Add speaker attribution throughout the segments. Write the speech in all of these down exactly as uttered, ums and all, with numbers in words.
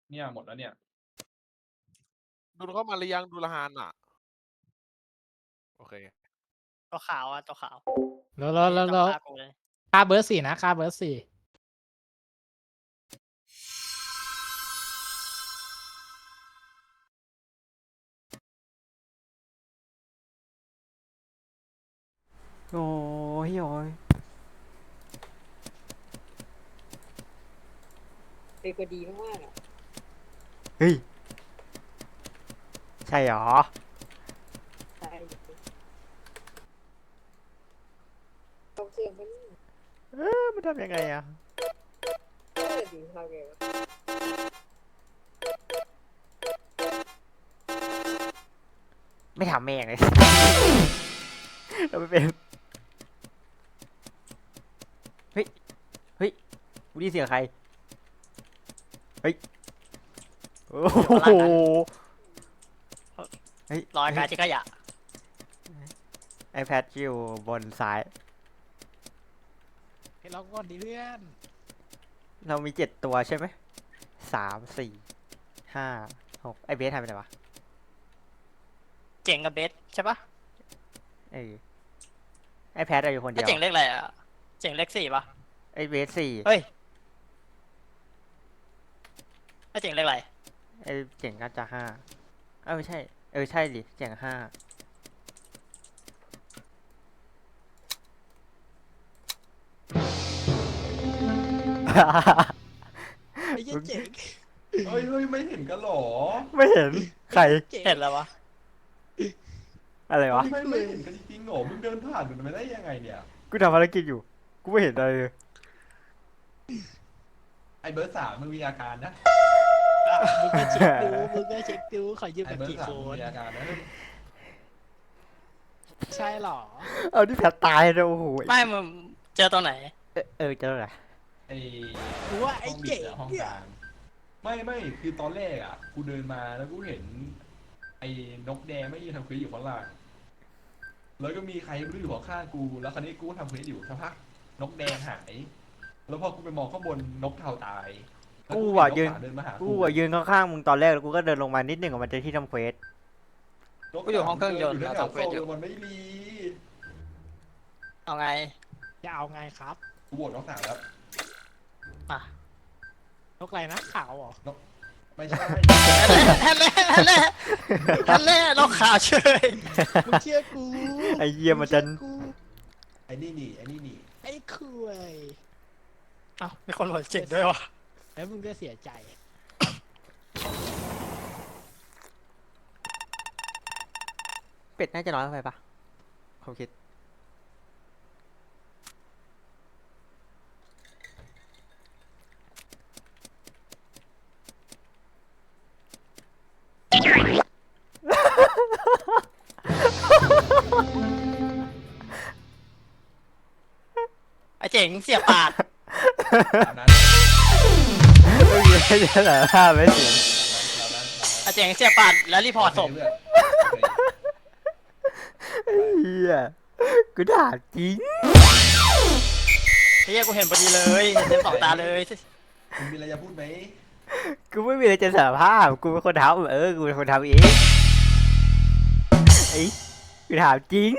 Speaker 1: เนี่ยหมดแล้วเนี่ย
Speaker 2: ดูเข้ามาหรือยังดูละฮานอ่ะโอเค
Speaker 3: ตัวขาวอ่ะตัวขาว
Speaker 4: แล้วแล้วแล้ว
Speaker 3: ต้อ
Speaker 4: แล้ว
Speaker 3: งฆ่ากูเลย
Speaker 4: ค่าเบอร์สี่นะค่าเบอร์สี่
Speaker 5: โอ้ยโอ้ย
Speaker 6: เป็นคนดีมากๆอ่ะ
Speaker 5: เฮ้ย ใช่หรอ
Speaker 6: ใช่ต้องเชื่อมัน
Speaker 5: เออมันทำยังไงอะ
Speaker 6: เออดีทำไงวะ
Speaker 5: ไม่ถามแม่งเลย เราไม่เป็น เฮ้ย เฮ้ยกูได้ยินเสียงใคร เฮ้ย โอ้โหเฮ้ย
Speaker 3: รอยกายที่ขยะ
Speaker 5: ไอแพดอยู่บนซ้าย
Speaker 4: ให้เราก่อนดีเพื่อน
Speaker 5: เรามีเจ็ดตัวใช่ไหม สาม สี่ ห้า หก ไอเบสหายไปไหนวะ
Speaker 3: เจ๋งกับเบสใช่ปะ
Speaker 5: เออไอแพดอยู่คนเดี
Speaker 3: ไอ้
Speaker 5: ยว
Speaker 3: เจ๋งเลขอะไรอ่ะเจ๋งเลขสี่ปะ
Speaker 5: ไอเบสสี่
Speaker 3: เฮ้ยไอ้เจ๋งเลขอะไร
Speaker 5: ไอเจ๋งก็จะห้าเออไม่ใช่ เออใช่ดิเจ๋งห้า
Speaker 4: ไอ้เหี้ยเจ๋ง
Speaker 1: เฮ้ยเฮ้ยไม่เห็นกันหรอ
Speaker 5: ไม่เห็น ใคร
Speaker 3: เห็นแล้ววะ
Speaker 5: อะไรวะ
Speaker 1: ไม่ไม่เห็นกันจริงๆหรอมึงเดินผ่านมันมาได้ยังไงเนี่ย
Speaker 5: กูทำภารกิจอยู่ กูไม่เห็นอะไรเลย
Speaker 1: ไอเบิร์ดสามมึงมีอาการนะ
Speaker 4: มึงก็เช็คดูมึงก็เช็คดูขอยืม
Speaker 1: ไอ
Speaker 4: กัน
Speaker 1: เบิร์ด
Speaker 4: กี่
Speaker 1: สา
Speaker 4: ค
Speaker 1: มมึง
Speaker 4: น
Speaker 1: มีอาการนะ
Speaker 4: ใช่หรอ
Speaker 5: เอาที่แผลตายเลยโอ้โห
Speaker 3: ไม่มึงเจอตัวไหน
Speaker 5: เออเออเจออะไร
Speaker 1: ไอ
Speaker 4: กูว่าไอ้
Speaker 1: ห้องบิ
Speaker 4: เจ๋
Speaker 1: ด
Speaker 4: ง
Speaker 1: อะห้อง
Speaker 4: เนี่
Speaker 1: ก
Speaker 4: ย
Speaker 1: ลางไม่ไม่คือตอนแรกอ่ะกูเดินมาแล้วกูเห็น ไอ้นกแดงไม่ยืนทำเควสอยู่ข้างล่างแล้วก็มีใครไม่รู้อยู่ข้างๆกูแล้วคราวนี้กูทำเควสอยู่สักพักนกแดงหาย แล้วพอกูไปมองข้างบนนกเทาตายแล้ว
Speaker 5: กู
Speaker 1: เห็
Speaker 5: อ่ะ
Speaker 1: น
Speaker 5: ยืน
Speaker 1: กขาวเดินมาหา
Speaker 5: กูอ่ะยืนข้างๆมึงตอนแรกแล้วกูก็เดินลงมานิดหนึ่งกับมันจะที่ทำเควส
Speaker 3: กูอยู่ห้องเครื่องยนต์
Speaker 1: แถ
Speaker 3: แล้ว
Speaker 1: ว
Speaker 3: ทำเควสอยู่
Speaker 1: มันไม่รี
Speaker 3: เอาไง
Speaker 4: จะเอาไงครับ
Speaker 1: กูโหวตนกสามแล้ว
Speaker 3: อ่ะ
Speaker 4: นกอะไรนะขาวเหรอ
Speaker 1: ไม่ใช่
Speaker 3: ฮันเล่ฮันเล่ฮันเล่เราข่าวเฉย
Speaker 4: มึงเชื่อกู
Speaker 5: ไอ้เยี่ยมันจะ
Speaker 4: งเชื่อกู
Speaker 1: ไอ้นี่นี่ไอ้นี่นี่
Speaker 4: ไอ้คุย
Speaker 3: เอ้ามีคนโหวตเจ๋งด้วยวะ
Speaker 4: แล้วมึงก็เสียใจ
Speaker 5: เป็ดน่าจะน้อยไปปะผมคิด
Speaker 3: ไอ้เจ๋งเสียปาก
Speaker 1: ตามนั้น
Speaker 5: ไม่มีอะไรจะเหรอห้าไม่เสียง
Speaker 1: ตามนั้น
Speaker 3: ไอ้เจ๋งเสียปากแล้วรีพอร์ตศพ
Speaker 1: โเคเพื่อนโอเค
Speaker 5: เฮียกูถามจริง
Speaker 3: เฮียกูเห็นพอดีเลยเห็นเต็มสองตาเลย
Speaker 1: มึงมีอะไรจะพูดไหม
Speaker 5: กูไม่มีอะไรจะสารภาพ กูเป็นคนทำเออ กูเป็นคนทำเองไอ้กูถามจริง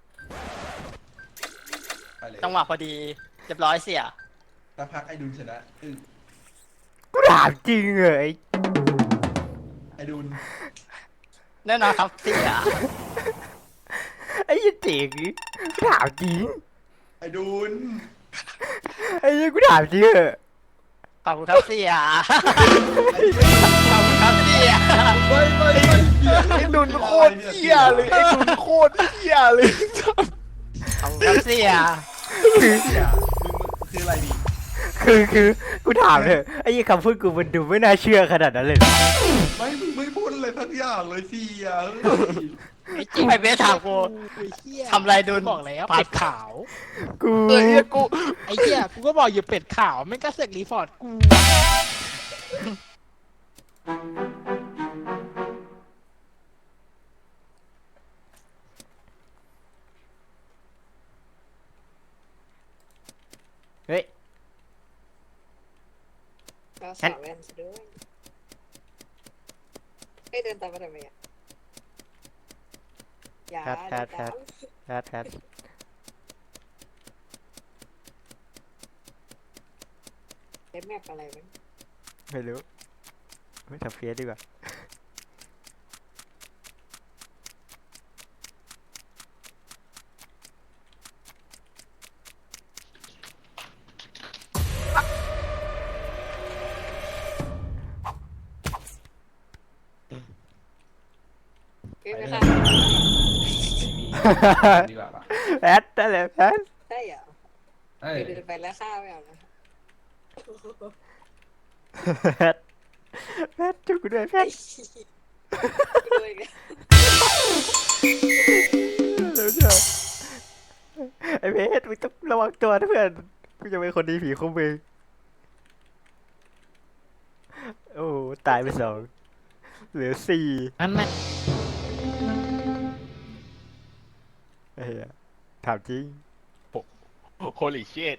Speaker 1: ไปเลย
Speaker 3: จังหวะพอดีเรียบร้อยเสีย
Speaker 1: สักพักไอ้ดุลชนะอึ้ง
Speaker 5: กูถามจริงเลย
Speaker 1: ไอ้ดุล
Speaker 3: แน่นอนครับเสีย
Speaker 5: ไอ้ยี่เจ๋งกูถามจริง
Speaker 1: ไอ้ดุล
Speaker 5: ไอ้ยี่กูถามจริงเหอะ
Speaker 3: ขอบคุณครับเสีย
Speaker 1: ไอ้ไม่
Speaker 3: ขอบคุณครับเสีย
Speaker 1: ไม่ไม่ไม่
Speaker 4: ไอ้ดุนโคตรเหี้ยเลยไอ้ดุนโคตรเหี้ยเลย
Speaker 3: ขอบคุณครับเสีย
Speaker 5: คือ
Speaker 1: เหี้ยมึงมึงคืออะไรดิ
Speaker 5: คือคือกูถามเถอะไอ้ยี่คำพูดกูมันดูไม่น่าเชื่อขนาดนั้นเลยเหรอ
Speaker 1: ไม่มึงไม่พูดอะไรทั้งอย่างเลยสิอ่ะเฮ้ย
Speaker 4: ไอ้เจ๋ง
Speaker 3: ไอ้เบสถามกู
Speaker 4: ไอ้เหี้ย
Speaker 3: ทำอะไรดุล
Speaker 4: บอกแล้ว
Speaker 3: ปัด
Speaker 4: เป็ดขาว
Speaker 5: กู
Speaker 4: เอ้ยกูไอ้เหี้ยกูก็บอกอยู่เป็ดขาวไม่งก็เสกรีพอร์ตกู
Speaker 5: เฮ้ย
Speaker 6: ก็สาวแว่นซะด้วยให้เดินตามมาทำไมอ่ะอย่า
Speaker 5: แพทแพทแพท แพทแพท
Speaker 6: เล่นแมปอะไรมั้ง
Speaker 5: ไม่รู้ไม่ทำเฟียสดีกว่า
Speaker 6: เอ้ยไม่ค่ะ
Speaker 1: ไม่มีดีกว่าปะ
Speaker 5: แพทได้เลยแพท
Speaker 6: ใช่เหรอ
Speaker 1: เอ้ย
Speaker 6: เดินไปแล้วฆ่าไม่เอานะ
Speaker 5: แพทแพทจุกกูด้วยแพท
Speaker 6: ด้วยกัน
Speaker 5: เร็วเชียวไอ้เพชรมึงต้องระวังตัวนะเพื่อนกูจะเป็นคนดีผีคุ้มมือโอ้ตายไปสองเหลือสี่
Speaker 3: นั่นแหละ
Speaker 5: ไอ้เหี้ยถามจริง
Speaker 2: โคลิเชต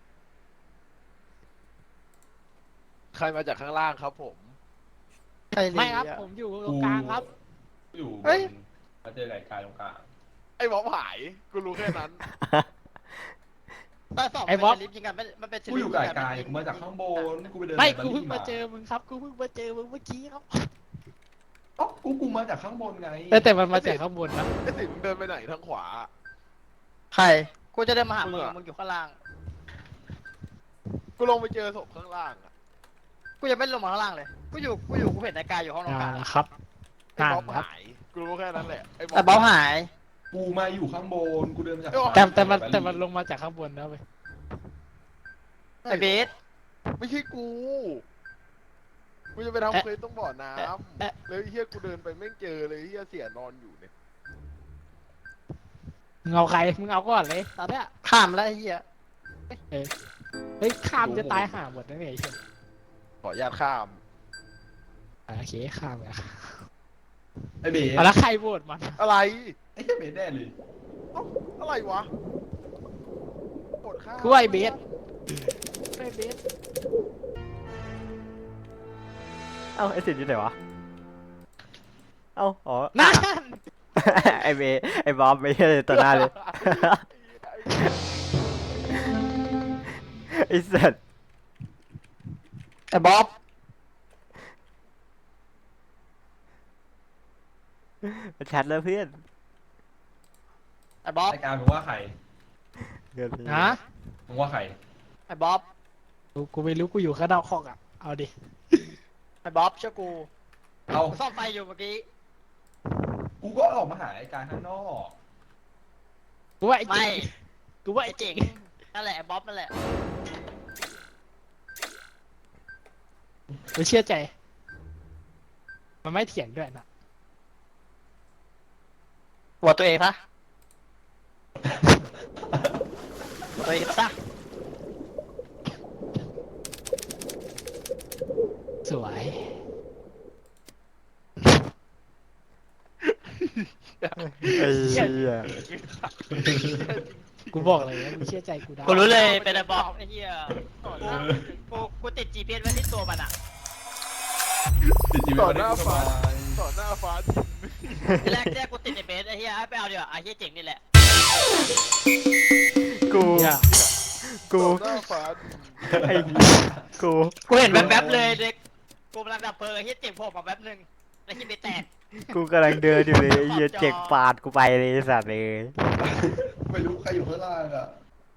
Speaker 2: ใครมาจากข้างล่างครับผม
Speaker 4: ใช่เลย
Speaker 3: ไม่ครับ
Speaker 4: อะ
Speaker 3: ผมอยู่ตรงกลางครับ
Speaker 1: อยู่บ
Speaker 4: เฮ้ย
Speaker 1: นมาเจอไก่กายตรงกลาง
Speaker 2: ไอ้บอมหาย กูรู้แค่นั้น
Speaker 4: ตาสอง
Speaker 3: ไอ้
Speaker 4: เป็น
Speaker 3: บ๊อบ
Speaker 4: ชลิปยิงกันไม่มันเป็นชลิป
Speaker 1: กูอยู่ไก่
Speaker 4: ยิงน
Speaker 1: กายกูมาจากข้างบนกูไปเดิน
Speaker 3: ไม่
Speaker 1: ใน
Speaker 3: กูเพิ่ง
Speaker 1: บั
Speaker 3: มา
Speaker 1: ลลี่
Speaker 3: เจอมึงครับกูเพิ่งมาเจอมึงเมื่อกี้ครับ
Speaker 1: เอ้ากูกูมาจากข้างบนไง
Speaker 3: แต่แต่มันมาจากข้างบนนะ
Speaker 2: ไอ้สิงเดินไปไหนทางขวา
Speaker 4: ใครกูจะเดินมาหา
Speaker 2: มึ
Speaker 4: มึ
Speaker 2: ง
Speaker 4: ง
Speaker 2: อะ
Speaker 4: มึงอยู่ข้างล่าง
Speaker 2: กูลงไปเจอศพข้างล่างอะ
Speaker 4: กูยังไม่ลงมาข้างล่างเลยกูอยู่กูอยู่กูเห็นนายกายอยู่ห้องนอนก
Speaker 3: อ่า
Speaker 4: ลาง
Speaker 3: นะครับ
Speaker 2: ไอ้
Speaker 3: อ่า
Speaker 2: บอม
Speaker 3: ครับ
Speaker 2: หาย กูรู้แค่นั้นแหละ ไอ้บอม
Speaker 4: แต่บ๊อบหาย
Speaker 1: กูมาอยู่ข้างบนกูเดินมาจาก
Speaker 3: แต่แต่มันแต่มันลงมาจากข้างบนนะเว้ย
Speaker 4: ไอ้เบส
Speaker 2: ไม่ใช่กู กูจะไปทำเควสต้องบ่อน้
Speaker 3: เอ๊ะ
Speaker 2: ำแล้วไอ้เฮียกูเดินไปไม่เจอเลยไอ้เฮียเสียนอนอยู่เนี่ย
Speaker 3: มึงเอาใครมึงเอาก่อนเลยตอนเนี้ย
Speaker 4: ข้ามแล้วไอ้เหี้ย
Speaker 3: เฮ้ยข้ามจะตายห่าหมดนะเนี่ยไอ้เหี้ย
Speaker 2: ขออนุญาตข้าม
Speaker 3: อ่ะโอเคข้ามเลย
Speaker 1: ไอ้เบส
Speaker 3: เอาแล้วใครโหวตมัน
Speaker 2: อะไร
Speaker 1: ไอ้เหี้ยเบสแน่เลย
Speaker 2: อะไรวะกดข้าม
Speaker 3: กูว่าไอ้เบสไอ้เบส
Speaker 5: เอ้าไอ้สินอยู่ไหนวะเอ้าอ๋อ
Speaker 3: นั่น
Speaker 5: ไอ้เบไอ้บอมไม่ใช่ตัวหน้าเลยไอ้สัตว์
Speaker 4: ไอ้บ๊อบ
Speaker 5: มันแชทแล้วเพื่อน
Speaker 4: ไอ้บ๊อบ
Speaker 1: ไอ้การมึงว่าใคร
Speaker 5: เกินไป
Speaker 3: ฮะ
Speaker 1: มึงว่าใคร
Speaker 4: ไอ้บ๊อบ
Speaker 3: กูกูไม่รู้กูอยู่ข้างนอกห้องอ่ะเอาดิ
Speaker 4: ไอ้บ๊อบเชื่อกู
Speaker 1: เอา
Speaker 4: กูซ่อมไฟอยู่เมื่อกี้
Speaker 1: กูก็ออกมาหาไอ้การข้างนอก
Speaker 3: กูว่าไอ้
Speaker 4: ไม่
Speaker 3: เจ๋งกูว่า
Speaker 4: ไอ้
Speaker 3: ไอ้
Speaker 4: เจ๋
Speaker 3: เจ๋
Speaker 4: ง
Speaker 3: ง
Speaker 4: นั่นแหละไอ้บ๊อบนั่นแหละ
Speaker 3: ไม่เชื่อใจ มันไม่เถียงด้วยนะ
Speaker 4: หัวตัวเองซะหัวตัวเองซะ
Speaker 3: สวย
Speaker 5: ไอ้เหี้ย
Speaker 3: กูบอกเลยนะมึงเชื่อใจกูได้
Speaker 4: กูรู้เลยเป็นไอ้บ๊อบไอ้เหี้ยกูกูติด จี พี เอส ไว้ที่ตัวมันอ่ะ
Speaker 1: ติดอยู่
Speaker 2: ต่อ
Speaker 1: ใน
Speaker 2: หน้า
Speaker 1: ส
Speaker 2: ฟ้า
Speaker 1: บาย
Speaker 2: ต่อหน้าฟ้าดิน
Speaker 4: ทีแรกแรกกูติดไอ้เบสไอ้เหี้ยให้ไปเอาดีกว่าไอ้เหี้ยเจ๋งนี่แหละ
Speaker 5: กู
Speaker 3: เนี่ย
Speaker 5: กู
Speaker 2: ต่อหน้าฟ้าดิน
Speaker 5: ไอ้กู
Speaker 4: กูเห็นแวบๆเลยเด็กกูกำลังดับเพลิงไอ้เหี้ยเจ๋งโผล่มาแวบนึงแล้วที่เบสแตก
Speaker 5: กูกำลังเดินอยู่เลยไอ้เหี้ยเจ็กปาดกูไปเลยไอ้สัตว์เลย
Speaker 1: ไม่รู้ใครอยู่ข้างล่างอ่ะ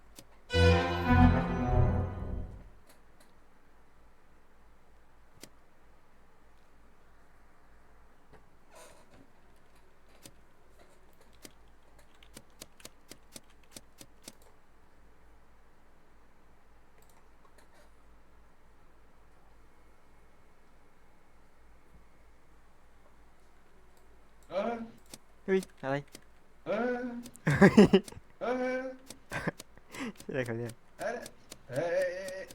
Speaker 1: เออ
Speaker 5: เฮ้ยอะไร
Speaker 1: เออ เออ
Speaker 5: อะไรเขาเนี่ย
Speaker 1: เอ้ยเอ้ยเอ้ย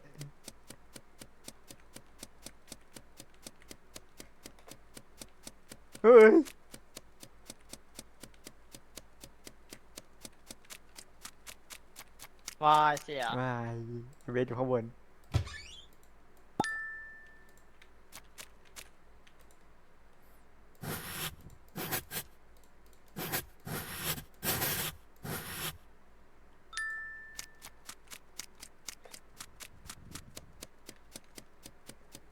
Speaker 5: เฮ้ย
Speaker 4: วายเสีย
Speaker 5: ไม่เวทอยู่ข้างบน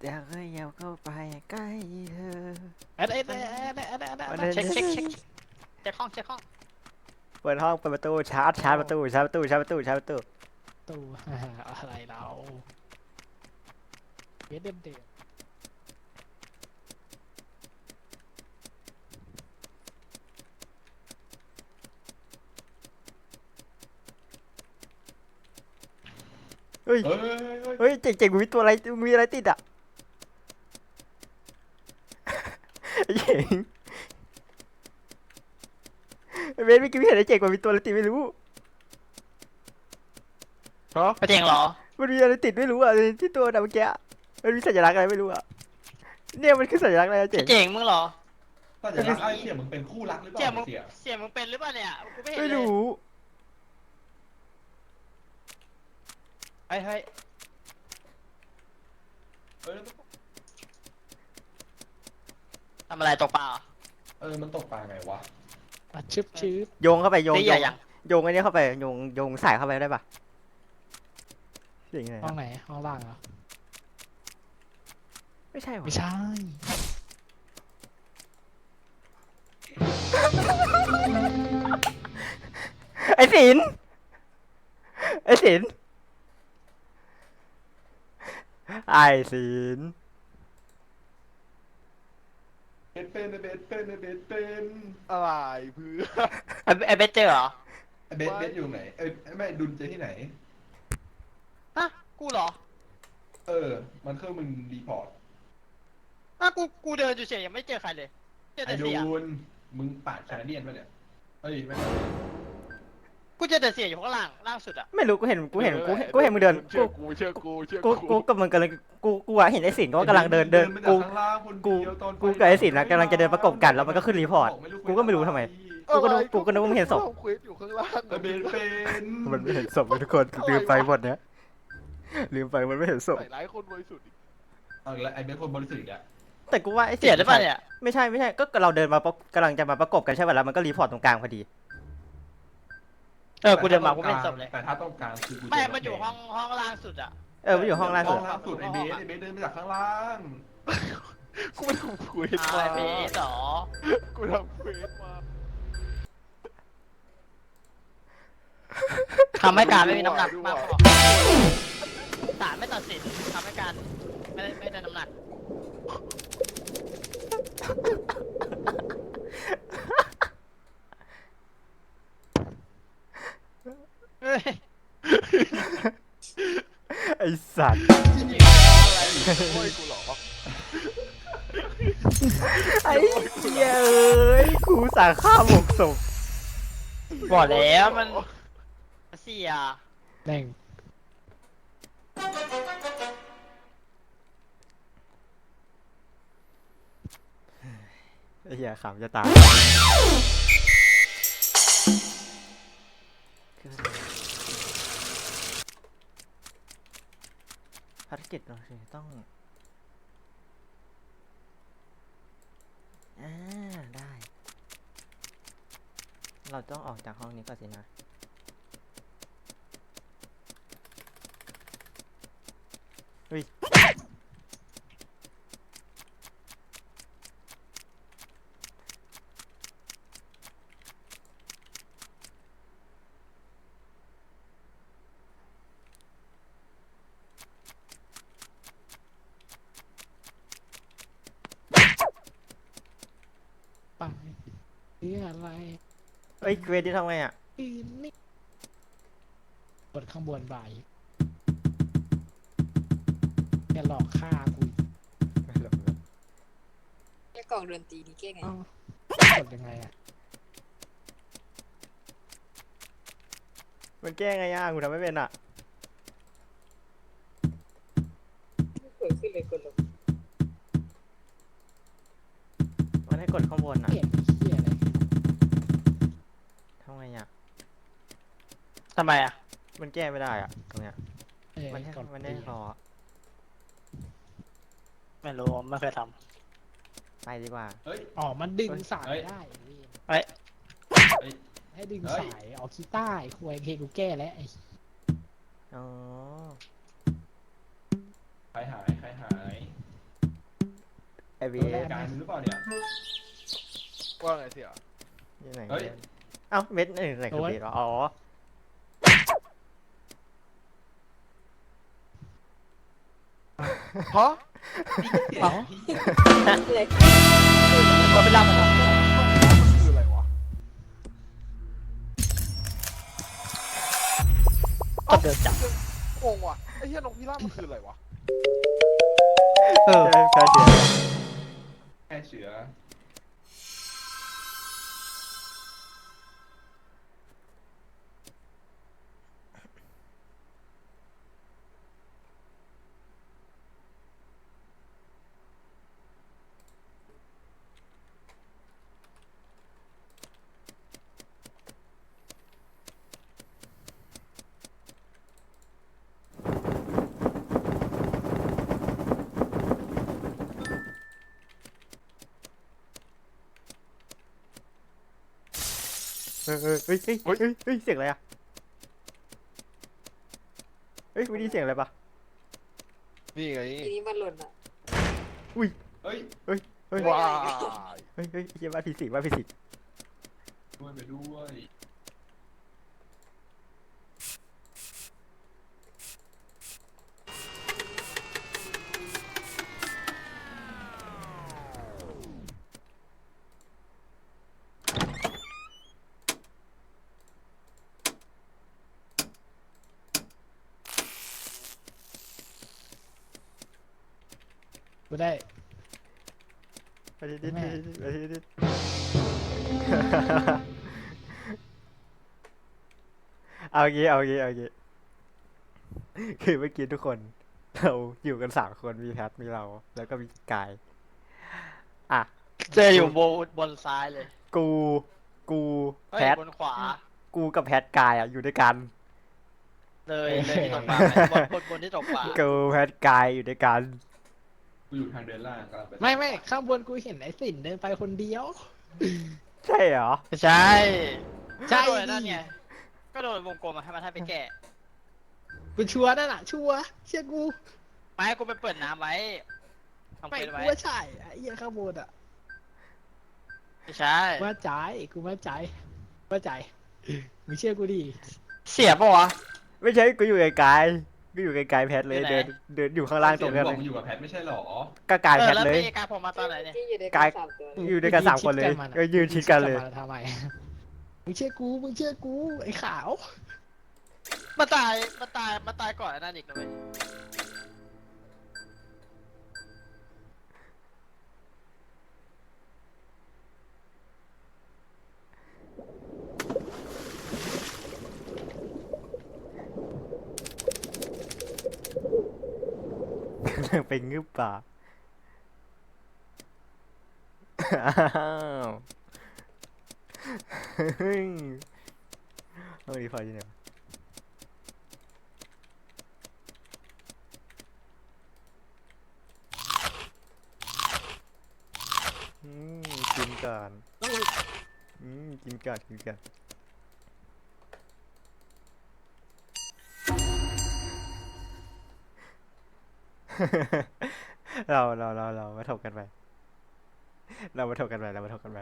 Speaker 5: อยากให้ยาวเข้าไปใกล้เธอ
Speaker 4: เอ็ดเอ็ดเอ็ดเอ็ดเอ็ดเอ็ดเอ็ดเช็คเช็คเช็คเช็คห้องเช็คห้อง
Speaker 5: เปิดห้องเปิดประตูชาร์จชาร์จประตูชาร์จประตูชาร์จประตูชาร์จประตู
Speaker 3: ตู้ อะไรเราเวทเดมเดม
Speaker 5: เฮ้ย
Speaker 1: เฮ้ยเฮ้ยเฮ้ย
Speaker 5: เฮ้ยเจ๋งเจ๋งมีตัวอะไรมีอะไรติดอ่ะไอ้เจ๋งไอ้เบนเมื่อกี้ไม่เห็นไอ้เจ๋งว่ามีตัวอะไรติดไม่รู้
Speaker 4: ไปเจ๋งเหรอ
Speaker 5: มันมีอะไรติดไม่รู้อ่ะที่ตัวน่ะเมื่อกี้มันมีสัญลักษณ์อะไรไม่รู้อ่ะเนี่ยมันคือสัญลักษณ์อะไรอะเจ๋ง
Speaker 4: เจ๋งมึงเหรอ
Speaker 1: ถ้าจะรักไอ้เสี่ยมึงเป็นคู่รักหรือเป
Speaker 4: เสี่ย
Speaker 1: ล่า
Speaker 4: มึง
Speaker 1: เสี่ย
Speaker 4: เสี่ยมึงเป็นหรือเปล่าเนี่ยกูไม่เห็น
Speaker 5: ไม่
Speaker 4: เลย
Speaker 5: รู้
Speaker 4: เฮ้ยเฮ้ย
Speaker 1: เออ
Speaker 4: ทำอะไรตกปลา
Speaker 1: เออมันตกปลาไงวะ
Speaker 3: มาชึบชึบ
Speaker 5: โยงเข้าไปโยง
Speaker 4: ตี
Speaker 5: โย
Speaker 4: ใหญ่
Speaker 5: ง
Speaker 4: ยัง
Speaker 5: โยงอันนี้เข้าไปโยงโยงสายเข้าไปได้ปะเจ๋งไง
Speaker 3: ห้องไหนห้องล่างเหรอ
Speaker 5: ไม่ใช่หรอ
Speaker 3: ไม่ใช่
Speaker 5: ไอ้ศิลป์ไอ้ศิลป์ไอ้ศิลป์
Speaker 1: เบสเป็นเบสเป็นเบสเป็น
Speaker 2: อะไรเพื่อ
Speaker 4: ไอ้ไอ้เบสเจอร์เหรอ
Speaker 1: ไอ้เบสเบสอยู่ไหนเอ้ยไม่ดุลเจอที่ไหน
Speaker 4: ฮะกูเหรอ
Speaker 1: เออ มันเครื่องมึงรีพอร์ต
Speaker 4: ฮะกูกูเดินอยู่เฉยยังไม่เจอใครเลยเจอ
Speaker 1: ไอ้
Speaker 4: แต่
Speaker 1: ดุ
Speaker 4: เสีย
Speaker 1: ลมึงปาดแคนาเดียนปะเนี่ยเอ้ยไม่
Speaker 4: กูเจอแต่เสียอยู่ข้างล่างล่างสุดอะ
Speaker 5: ไม่รู้กูเห็นกูเห็นกูเห็นกูเห็นมึงเดิน
Speaker 2: เชื่
Speaker 5: กู
Speaker 2: อกูเชื่อกูเชื่อ
Speaker 5: กูกูกับมึงกำลังกูกูอะเห็นไอ้ศิลป์ก็กำลังเดินเดิน
Speaker 1: มาจาก
Speaker 5: กู
Speaker 1: ข้างล่างคน
Speaker 5: กู
Speaker 1: เดียวตอน
Speaker 5: กูกับไอ้ศิลป์นะกำลังจะเดินประกบกันแล้วมันก็ขึ้นรีพอร์ตกูก็ไม่รู้ทำไม กูก็นึกกูก็นึกว่ามึงเห็นศพ
Speaker 2: ทำเควสอยู่ข้างล่าง
Speaker 1: ไอ้เบสเป็น
Speaker 5: มันไม่เห็นศพเลยทุกคนลืมไปหมดเนี้ยลืมไปมันไม่เห็นศพ
Speaker 2: ใส่ร้ายคนบริสุทธิ์อีก
Speaker 1: เอาอีกแล้วไอ้เบสคนบริสุทธิ์อีกแล้ว
Speaker 5: แต่กูว่าไอ้
Speaker 4: เสียหรือเปล่าเนี่ย
Speaker 5: ไม่ใช่ไม่ใช่ก็เราเดินมาประกำลังจะมาประกบกันใช่ป่ะแล้วมันก็รีพอร์ตตรงกลางพอดี
Speaker 4: เออกูเดินมากูไม่เห็นศพเลย
Speaker 1: แต่ถ้าต้องการคือกู
Speaker 4: ไม่
Speaker 1: เจ
Speaker 4: มันอยู่ห้องห้องล่างสุดอะ
Speaker 5: เออมันอยู่ห้องล่าง
Speaker 1: ห้
Speaker 5: สุ
Speaker 1: อ
Speaker 5: ด
Speaker 1: งล่างสุดไอ้เบสไอ้เบสเดินมาจากข้างล่าง
Speaker 2: กูไม่ทำเควส
Speaker 4: อ่า
Speaker 2: มา
Speaker 4: ไอ้เบสเหรอ
Speaker 2: กูทำเควสมา
Speaker 4: ทำให้การไม่มีน้ำหนักมากพอศาลไม่ตัดสินทำให้การไม่ได้ไม่ได้น้ำหนักเฮ้ย
Speaker 5: ไอ้สัตว์
Speaker 2: โอ้ยกูเหรอ
Speaker 5: ไอ้เหี้ยเอ้ยกูสั่งฆ่าหมกศพ
Speaker 4: บอกแล้วมันเสีย
Speaker 3: แม่ง
Speaker 5: ไอ้เหี้ยขำจะตายภารกิจเราสิต้องอ่าได้ เราต้องออกจากห้องนี้ก่อนสินะเฮ้ย
Speaker 3: ไปเรื่องอะไร
Speaker 5: เอ้ยเกรดที่ทำไงอ่ะ
Speaker 3: อีนี่กดข้างบนบ่ายแกหลอกฆ่ากูอีก
Speaker 5: ไม่หลบเลย
Speaker 6: แค่กล่องดนตรีนี่แก้ไง
Speaker 3: เอ้ากดยังไงอะ
Speaker 5: มันแก้ไงอ่ะกูทำไม่เป็นอ่ะ
Speaker 6: ไม่เปิดขึ้นเลยกดลง
Speaker 5: มันให้กดข้างบนอ่ะ
Speaker 3: เห็นเหี้ยอะไร
Speaker 5: ทำไงอ่ะ
Speaker 4: ทำไมอ่ะ
Speaker 5: มันแก้ไม่ได้อ่ะตรงเนี้ย
Speaker 3: เออ
Speaker 5: มันให้
Speaker 3: กด
Speaker 5: มันให้รอ
Speaker 4: ไม่รู้ไม่เคยท
Speaker 5: ไปดีกว่า
Speaker 1: เฮ้ย
Speaker 3: อ๋อมันดึงสาย
Speaker 1: เฮ้ย
Speaker 3: ได้เว้ย
Speaker 4: ำเฮ้ย
Speaker 1: เฮ้ย
Speaker 3: ให้ดึง
Speaker 1: เฮ้ย
Speaker 3: สายออกคีต้าไอ้ควยเคกูแก้แล้วไอ้
Speaker 5: อ๋อ
Speaker 1: ใครหายใครหาย
Speaker 5: ไอ้เบ
Speaker 6: โดนแล้
Speaker 5: ส
Speaker 6: ว
Speaker 1: การมึงหรือเปล่าเนี่ย
Speaker 2: ว่าไงเสีย
Speaker 5: อยู่ไหน
Speaker 1: เฮ้ย
Speaker 5: เอ้าเบสไหนไหนคือเบสวะอ๋อ
Speaker 2: ฮะ
Speaker 6: เลย
Speaker 4: เราไปรับมัน
Speaker 2: คืออะไรวะ
Speaker 4: ก็เดินจับ
Speaker 2: งงว่ะไอ้เหี้ยนกพิราบมันคืออะไรวะ
Speaker 5: เออแพ้เสีย
Speaker 1: แค่เชื้อ
Speaker 5: เออเออเฮ้ยเฮ้ยเฮ้ยเฮ้ยเสียงอะไรอะเฮ้ยไม่ได้ยินเสียงอะไรปะ
Speaker 2: นี่ไง
Speaker 6: ทีนี้มันหล่นอ่ะ
Speaker 1: เฮ้ย
Speaker 5: เฮ้ย
Speaker 2: ว้าย
Speaker 5: เฮ้ยเฮ้ยเฮียบ้าผีสิงบ้าผีสิง
Speaker 1: ด้วยไปด้วย
Speaker 7: กูได้
Speaker 5: ไปดิดิดิดิไปดิดิเอางี้เอางี้เอางี้คือเมื่อกี้ทุกคนเราอยู่กันสามคนมีแพทมีเราแล้วก็มีกายอ่ะ
Speaker 4: เจออยู่บนบนซ้ายเลย
Speaker 5: กูกู
Speaker 4: เฮ้ย
Speaker 5: แพท
Speaker 4: บนขวา
Speaker 5: กูกับแพทกายอ่ะอยู่ด้วยกัน
Speaker 4: เลยเลยที่ตกปลาไหมบนบนบนที่ตกปลา
Speaker 5: กูแพทกายอยู่ด้วยกัน
Speaker 1: กูอยู่ทางเดินล่างกำลังไป
Speaker 7: ไม่ไม่ข้างบนกูเห็นไอ้สินเดินไปคนเดียว
Speaker 5: ใช่เหรอ
Speaker 4: ไม่ใช่
Speaker 7: ใช่
Speaker 4: ก็โดน
Speaker 7: ดิ
Speaker 4: นั่นไงก็โดนวงกลมมาให้มันให้ไปแก้
Speaker 7: กูชัวร์นั่นแหละชัวร์เชื่อกู
Speaker 4: ไม่ให้กูไปเปิดน้ำไว้ทำ
Speaker 7: ไม่
Speaker 4: เควส
Speaker 7: กู
Speaker 4: ไว้
Speaker 7: ว่าใช่ไอ้เหี้ยข้างบนอ่ะ
Speaker 4: ไม่ใช่
Speaker 7: ว่าใจกูว่าใจว่าใจมึงเชื่อกูดิ
Speaker 4: เสียปะวะ
Speaker 5: ไม่ใช่กูอยู่ไกลๆกูอยู่ไกลๆแพทเลย
Speaker 4: อยู่ไหน
Speaker 5: เดินเดินอยู่ข้างล่างตรงนั้น
Speaker 1: บ
Speaker 5: เล
Speaker 1: อก
Speaker 5: ย
Speaker 1: มึงอยู่กับแพทไม่ใช่หรอ
Speaker 5: ก็กาย
Speaker 4: เอ
Speaker 5: แพ
Speaker 4: อ
Speaker 5: ท
Speaker 4: แล้ว
Speaker 5: เลย
Speaker 4: พี่กาผมมาตอนไหนเนี่ย
Speaker 6: ที่อยู่ใน
Speaker 5: กาย
Speaker 6: สามตัว
Speaker 5: อยู่ด้วยกันสามคนเลย
Speaker 7: มึง
Speaker 5: ก็ยืนชิดกันเลย
Speaker 7: มึงชิดทำไมมึงเชื่อกูมึงเชื่อกูไอ้ขาว
Speaker 4: มาตายมาตายมาตายก่อนไอ้นั่นอีกนะเว้ย
Speaker 5: ไปงึบป่าอ้าวเฮ้ยเอาดีพอดีเนี่ยวะอืมกินก่อนอืมกินก่อนกินก่อน เราเราเราเรามาถกกันไป เรามาถกกันไปเรามาถกกันไป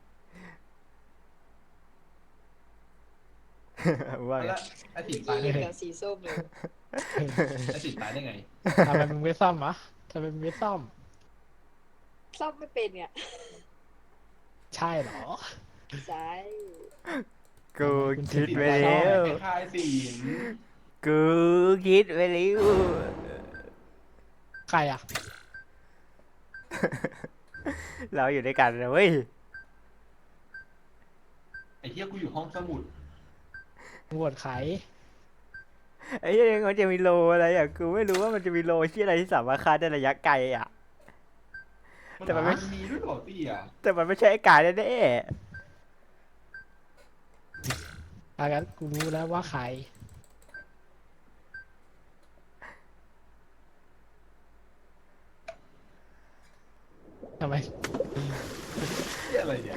Speaker 5: ว่าไง
Speaker 1: แล้วไอ้สิน
Speaker 6: ที่
Speaker 1: ตายได้
Speaker 6: เห
Speaker 1: ไง
Speaker 6: ลือสีส้มเลย
Speaker 1: ไอ้สินตายได้ไง
Speaker 7: ทำไมมึงไม่ซ่อมวะทำไมมึงไม่ซ่อม
Speaker 6: ซ่อมไม่เป็นเนี่ย
Speaker 7: ใช่เหรอ
Speaker 6: ใช่
Speaker 5: กูคิด
Speaker 1: สิน
Speaker 5: ไป
Speaker 1: ตาย
Speaker 5: แล้ว
Speaker 1: ไอ้คายสิน
Speaker 5: กูคิดไปแล้ว
Speaker 7: ใครอ่ะ
Speaker 5: เราอยู่ด้วยกันนะเว้ย
Speaker 1: ไอ้เหี้ยกูอยู่ห้องสมุด
Speaker 7: มึงโหวตใคร
Speaker 5: ไอ้เรื่องมันจะมีโลอะไรอ่ะ กูไม่รู้ว่ามันจะมีโลที่อะไรที่สามารถฆ่าได้ระยะไกลอ่ะ
Speaker 1: มัน
Speaker 5: แต่มันไม่
Speaker 1: มีด้วยเหรอตี้อ่ะ
Speaker 5: แต่มันไม่ใช่ไอ้กายแน่
Speaker 7: อางั้นกูรู้แล้วว่าใครทำไม
Speaker 1: เหี้ยอะไรเนี่ย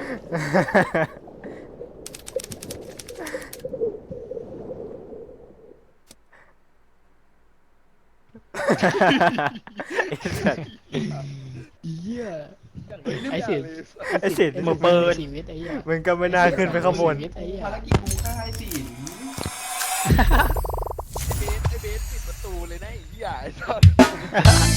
Speaker 5: ๆไอ้สัส
Speaker 7: เหี้ยหี้ย
Speaker 1: ไอ้
Speaker 7: ไอ้
Speaker 1: สิ
Speaker 7: สิ
Speaker 5: ไอ้สิทธิ์
Speaker 7: ไอ้
Speaker 5: มึงเปิด
Speaker 7: ชีวิตไอ้เหี้ย
Speaker 5: มึงก็ไม่น่าขึ้นไปข้างบน
Speaker 7: ชีวิตไอ้เหี้ย
Speaker 1: ภารกิจกูฆ่าไอ้สิน
Speaker 2: ไอเบสไอเบสปิดประตูเลยนะไอ้เหี้ยไอ้สัส